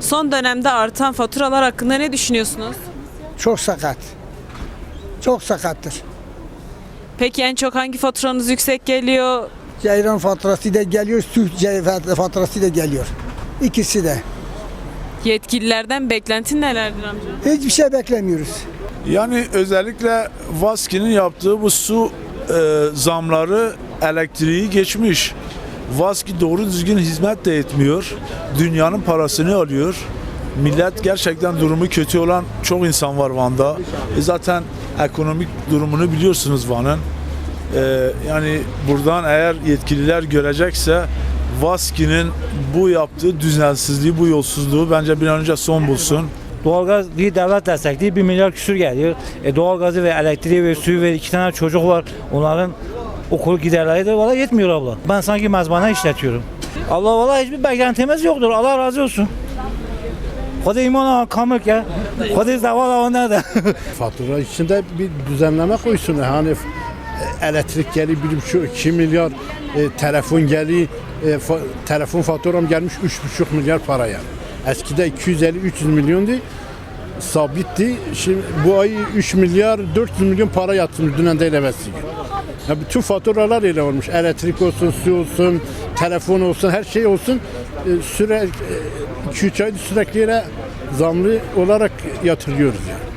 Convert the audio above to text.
Son dönemde artan faturalar hakkında ne düşünüyorsunuz? Çok sakat. Çok sakattır. Peki en çok hangi faturanız yüksek geliyor? Ceyran faturası da geliyor, faturası da geliyor. İkisi de. Yetkililerden beklentin nelerdir amca? Hiçbir şey beklemiyoruz. Yani özellikle Vaski'nin yaptığı bu su zamları elektriği geçmiş. Vaski doğru düzgün hizmet de etmiyor. Dünyanın parasını alıyor. Millet gerçekten durumu kötü olan çok insan var Van'da. Zaten ekonomik durumunu biliyorsunuz Van'ın. Yani buradan eğer yetkililer görecekse Vaski'nin bu yaptığı düzensizliği, bu yolsuzluğu bence bir an önce son bulsun. Doğalgaz değil, devlet destekli 1 milyar küsür geliyor. Doğalgazı ve elektriği ve suyu ve 2 tane çocuk var. Onların okul giderleri de valla yetmiyor abla. Ben sanki mezbana işletiyorum. Allah valla hiçbir beklentimiz yoktur. Allah razı olsun. Hadi iman kamık ya. Hadi zavallı nerede? Fatura içinde bir düzenleme koysun. Hani elektrik geliyor 1,5-2 milyar, telefon geliyor, telefon faturam gelmiş 3,5 milyar paraya. Eskide 250-300 milyondu, sabitti. Şimdi bu ay 3 milyar 400 milyon para yatırmış dünden değil evvelsi gün. Ya bütün faturalar öyle olmuş. Elektrik olsun, su olsun, telefon olsun, her şey olsun. Sürekli 2-3 aydır sürekli zamlı olarak yatırıyoruz yani.